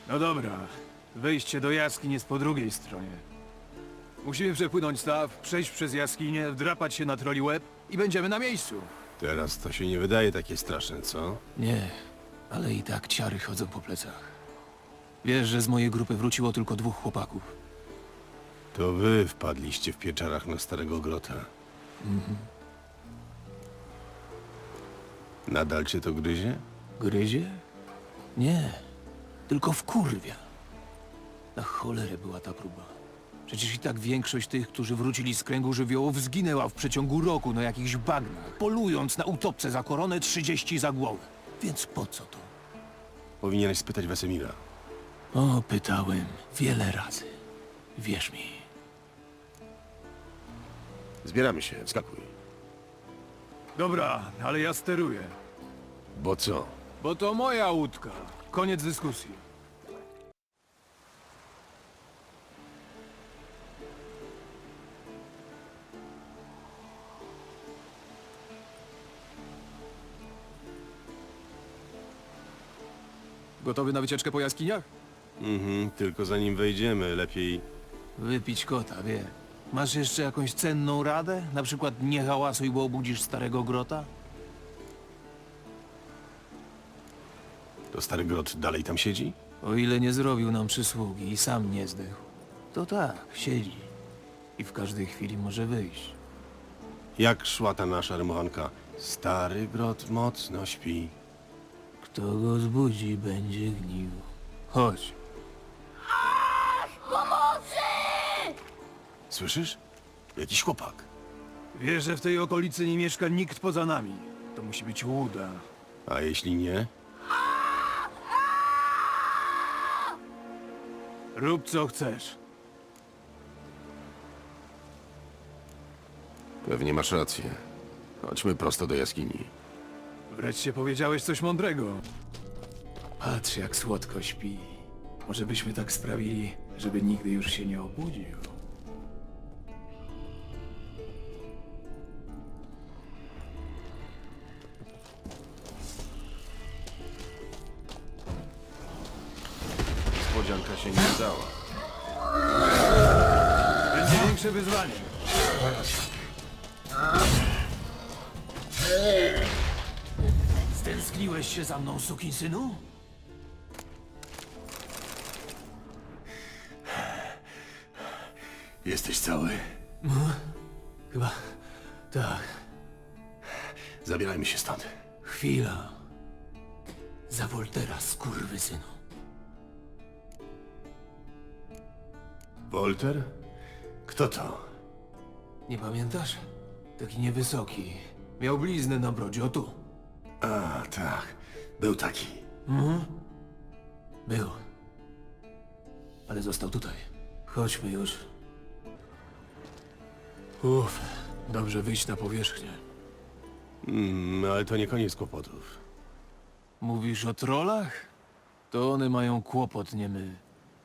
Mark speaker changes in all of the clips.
Speaker 1: No dobra. Wejście do jaskiń jest po drugiej stronie. Musimy przepłynąć staw, przejść przez jaskinię, wdrapać się na troli łeb i będziemy na miejscu.
Speaker 2: Teraz to się nie wydaje takie straszne, co?
Speaker 1: Nie, ale i tak ciary chodzą po plecach. Wiesz, że z mojej grupy wróciło tylko 2 chłopaków.
Speaker 2: To wy wpadliście w pieczarach na Starego Grota. Nadal cię to gryzie?
Speaker 1: Gryzie? Nie, tylko wkurwia. Na cholerę była ta próba. Przecież i tak większość tych, którzy wrócili z kręgu żywiołów, zginęła w przeciągu roku na jakichś bagnach, polując na utopce za koronę 30 za głowę. Więc po co to?
Speaker 2: Powinieneś spytać Wesemira.
Speaker 1: O, pytałem wiele razy. Wierz mi.
Speaker 2: Zbieramy się, wskakuj.
Speaker 1: Dobra, ale ja steruję.
Speaker 2: Bo co?
Speaker 1: Bo to moja łódka. Koniec dyskusji. Gotowy na wycieczkę po jaskiniach?
Speaker 2: Tylko zanim wejdziemy, lepiej...
Speaker 1: Wypić kota, wie. Masz jeszcze jakąś cenną radę? Na przykład nie hałasuj, bo obudzisz Starego Grota?
Speaker 2: To Stary Grot dalej tam siedzi?
Speaker 1: O ile nie zrobił nam przysługi i sam nie zdechł, to tak, siedzi. I w każdej chwili może wyjść.
Speaker 2: Jak szła ta nasza rymowanka? Stary Grot mocno śpi.
Speaker 1: Kto go zbudzi, będzie gnił. Chodź.
Speaker 2: Słyszysz? Jakiś chłopak.
Speaker 1: Wiesz, że w tej okolicy nie mieszka nikt poza nami. To musi być łuda.
Speaker 2: A jeśli nie?
Speaker 1: Rób co chcesz.
Speaker 2: Pewnie masz rację. Chodźmy prosto do jaskini.
Speaker 1: Wreszcie powiedziałeś coś mądrego. Patrz, jak słodko śpi. Może byśmy tak sprawili, żeby nigdy już się nie obudził.
Speaker 2: Niespodzianka się nie udała.
Speaker 1: Będzie większe wyzwanie. Stęskniłeś się za mną, sukinsynu?
Speaker 2: Jesteś cały?
Speaker 1: Chyba tak.
Speaker 2: Zabierajmy się stąd.
Speaker 1: Chwila. Za Woltera, skurwysynu.
Speaker 2: Wolter? Kto to?
Speaker 1: Nie pamiętasz? Taki niewysoki. Miał bliznę na brodzie, o tu.
Speaker 2: A, tak. Był taki.
Speaker 1: Był. Ale został tutaj. Chodźmy już. Uff, dobrze wyjść na powierzchnię.
Speaker 2: Ale to nie koniec kłopotów.
Speaker 1: Mówisz o trollach? To one mają kłopot, nie my.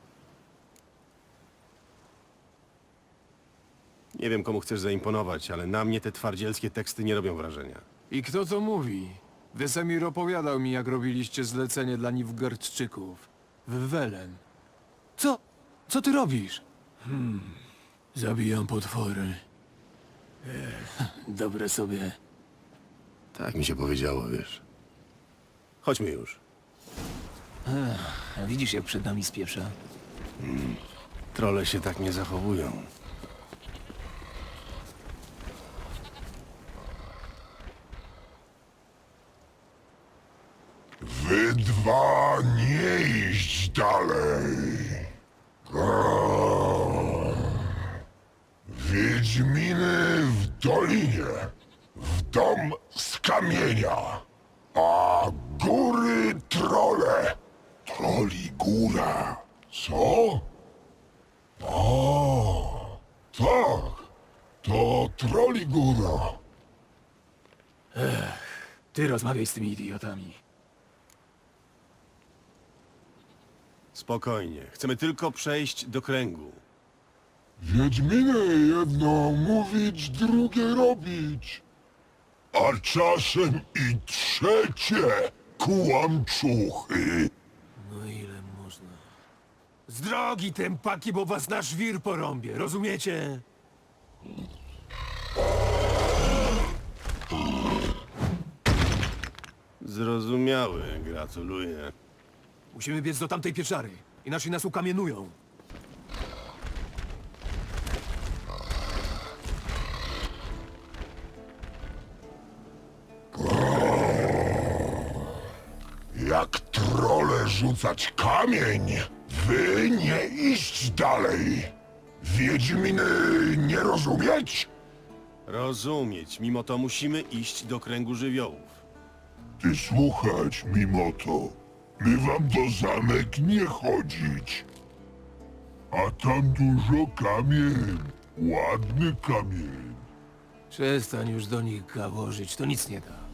Speaker 2: Nie wiem, komu chcesz zaimponować, ale na mnie te twardzielskie teksty nie robią wrażenia.
Speaker 1: I kto to mówi? Wesemir opowiadał mi, jak robiliście zlecenie dla Nilfgaardczyków. W Welen. Co? Co ty robisz? Zabijam potwory. Dobre sobie.
Speaker 2: Tak mi się powiedziało, wiesz. Chodźmy już.
Speaker 1: A widzisz, jak przed nami spieprza?
Speaker 2: Trolle się tak nie zachowują.
Speaker 3: Wy dwa nie iść dalej. Wiedźminy w dolinie, w dom z kamienia, a góry trole. Troli góra. Co? O, tak, to troli góra.
Speaker 1: Ty rozmawiaj z tymi idiotami.
Speaker 2: Spokojnie. Chcemy tylko przejść do kręgu.
Speaker 3: Wiedźminy jedno mówić, drugie robić. A czasem i trzecie kłamczuchy.
Speaker 1: No ile można? Z drogi, tępaki, bo was na żwir porąbie, rozumiecie?
Speaker 2: Zrozumiały, gratuluję.
Speaker 1: Musimy biec do tamtej pieczary, inaczej nas ukamienują.
Speaker 3: Jak trole rzucać kamień, wy nie iść dalej. Wiedźminy nie rozumieć?
Speaker 2: Rozumieć, mimo to musimy iść do kręgu żywiołów.
Speaker 3: Ty słuchać mimo to. My wam do zamek nie chodzić. A tam dużo kamień. Ładny kamień.
Speaker 1: Przestań już do nich gaworzyć, to nic nie da.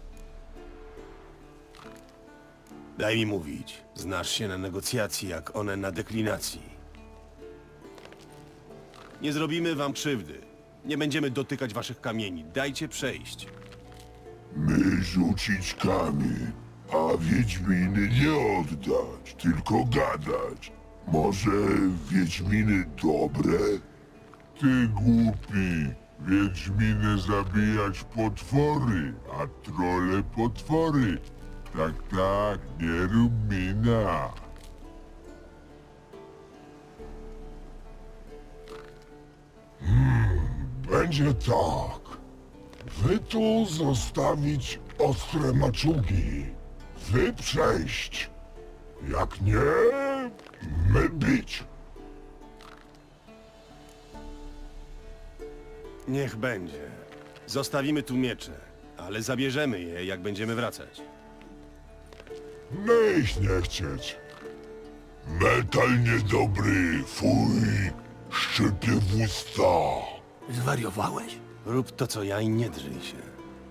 Speaker 2: Daj mi mówić. Znasz się na negocjacji, jak one na deklinacji. Nie zrobimy wam krzywdy. Nie będziemy dotykać waszych kamieni. Dajcie przejść.
Speaker 3: My rzucić kamień, a wiedźminy nie oddać, tylko gadać. Może wiedźminy dobre? Ty głupi, wiedźminy zabijać potwory, a trole potwory. Tak, tak, nie rób mina. Będzie tak. Wy tu zostawić ostre maczugi. Wy przejść. Jak nie, my bić.
Speaker 2: Niech będzie. Zostawimy tu miecze, ale zabierzemy je, jak będziemy wracać.
Speaker 3: My ich nie chcieć. Metal niedobry, fuj, szczypie w usta.
Speaker 1: Zwariowałeś?
Speaker 2: Rób to, co ja i nie drżyj się.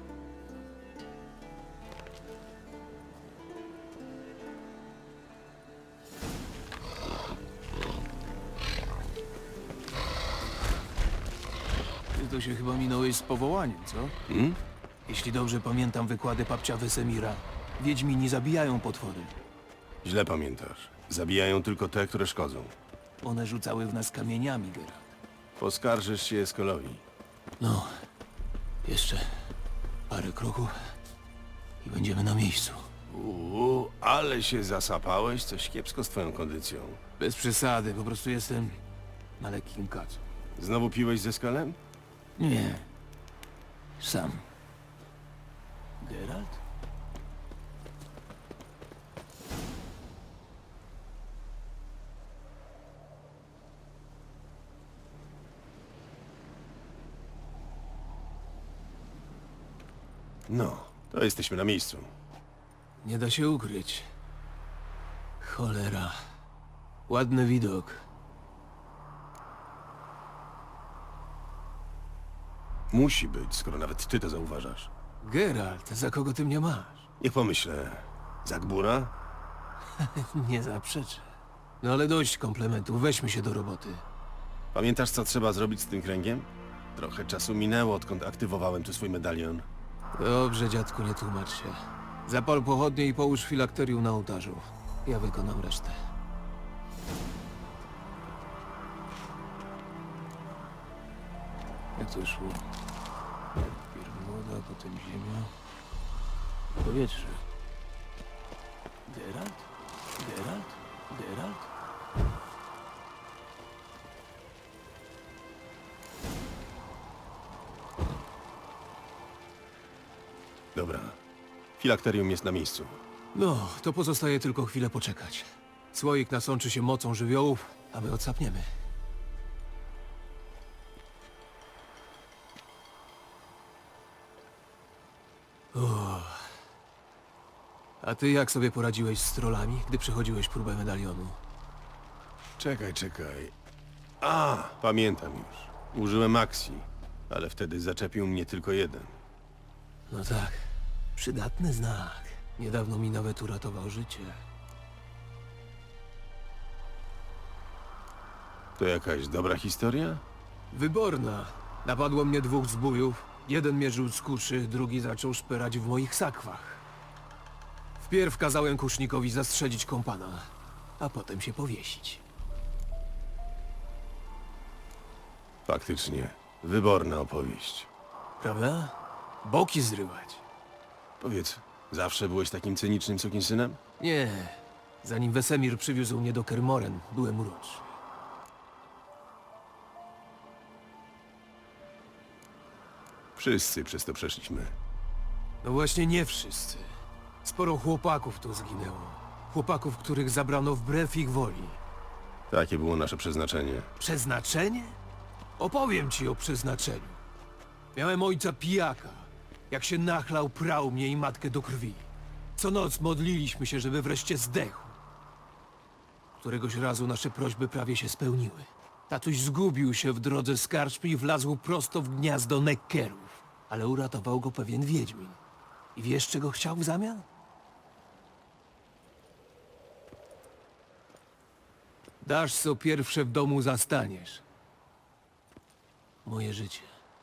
Speaker 1: Ty to się chyba minąłeś z powołaniem, co? Jeśli dobrze pamiętam wykłady papcia Wesemira, wiedźmini zabijają potwory.
Speaker 2: Źle pamiętasz. Zabijają tylko te, które szkodzą.
Speaker 1: One rzucały w nas kamieniami, Geralt.
Speaker 2: Poskarżysz się Eskolowi.
Speaker 1: No, jeszcze parę kroków i będziemy na miejscu.
Speaker 2: Ale się zasapałeś, coś kiepsko z twoją kondycją.
Speaker 1: Bez przesady, po prostu jestem na lekkim kacu.
Speaker 2: Znowu piłeś ze Eskolem?
Speaker 1: Nie, sam. Geralt?
Speaker 2: No, to jesteśmy na miejscu.
Speaker 1: Nie da się ukryć. Cholera. Ładny widok.
Speaker 2: Musi być, skoro nawet ty to zauważasz.
Speaker 1: Geralt, za kogo ty mnie masz?
Speaker 2: Niech pomyślę. Zagbura?
Speaker 1: Nie zaprzeczę. No ale dość komplementów, weźmy się do roboty.
Speaker 2: Pamiętasz, co trzeba zrobić z tym kręgiem? Trochę czasu minęło, odkąd aktywowałem tu swój medalion.
Speaker 1: Dobrze, dziadku, nie tłumacz się. Zapal pochodnie i połóż filakterium na ołtarzu. Ja wykonam resztę. Jak to szło? Najpierw woda, potem ziemia. Powietrze. Geralt? Geralt? Geralt?
Speaker 2: Dobra. Filakterium jest na miejscu.
Speaker 1: No, to pozostaje tylko chwilę poczekać. Słoik nasączy się mocą żywiołów, a my odsapniemy. A ty jak sobie poradziłeś z trollami, gdy przechodziłeś próbę medalionu?
Speaker 2: Czekaj. A, pamiętam już. Użyłem akcji, ale wtedy zaczepił mnie tylko jeden.
Speaker 1: No tak, przydatny znak. Niedawno mi nawet uratował życie.
Speaker 2: To jakaś dobra historia?
Speaker 1: Wyborna. Napadło mnie dwóch zbójów. Jeden mierzył z kuszy, drugi zaczął szperać w moich sakwach. Wpierw kazałem kusznikowi zastrzelić kompana, a potem się powiesić.
Speaker 2: Faktycznie, wyborna opowieść.
Speaker 1: Prawda? Boki zrywać.
Speaker 2: Powiedz, zawsze byłeś takim cynicznym sukinsynem?
Speaker 1: Nie. Zanim Wesemir przywiózł mnie do Kermoren, byłem uroczy.
Speaker 2: Wszyscy przez to przeszliśmy.
Speaker 1: No właśnie nie wszyscy. Sporo chłopaków tu zginęło. Chłopaków, których zabrano wbrew ich woli.
Speaker 2: Takie było nasze przeznaczenie.
Speaker 1: Przeznaczenie? Opowiem ci o przeznaczeniu. Miałem ojca pijaka. Jak się nachlał, prał mnie i matkę do krwi. Co noc modliliśmy się, żeby wreszcie zdechł. Któregoś razu nasze prośby prawie się spełniły. Tatuś zgubił się w drodze z karczmy i wlazł prosto w gniazdo Nekkerów. Ale uratował go pewien wiedźmin. I wiesz, czego chciał w zamian? Dasz, co pierwsze w domu zastaniesz. Moje życie.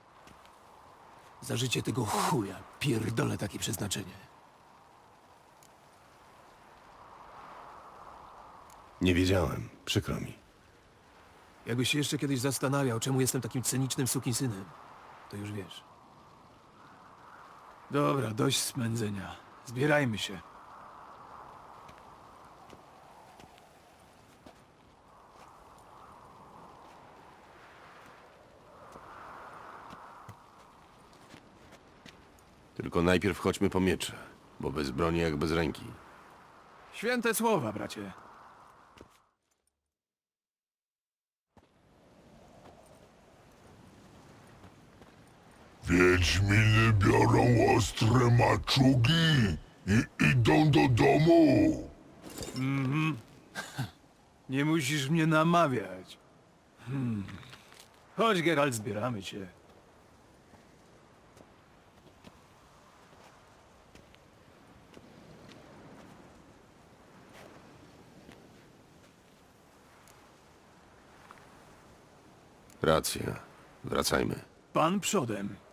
Speaker 1: Za życie tego chuja pierdolę takie przeznaczenie.
Speaker 2: Nie wiedziałem, przykro mi.
Speaker 1: Jakbyś się jeszcze kiedyś zastanawiał, czemu jestem takim cynicznym sukinsynem, to już wiesz. Dobra, dość smędzenia. Zbierajmy się.
Speaker 2: Tylko najpierw chodźmy po miecze, bo bez broni jak bez ręki.
Speaker 1: Święte słowa, bracie.
Speaker 3: Wiedźminy biorą ostre maczugi i idą do domu.
Speaker 1: Nie musisz mnie namawiać. Chodź, Geralt, zbieramy cię.
Speaker 2: Racja. Wracajmy.
Speaker 1: Pan przodem.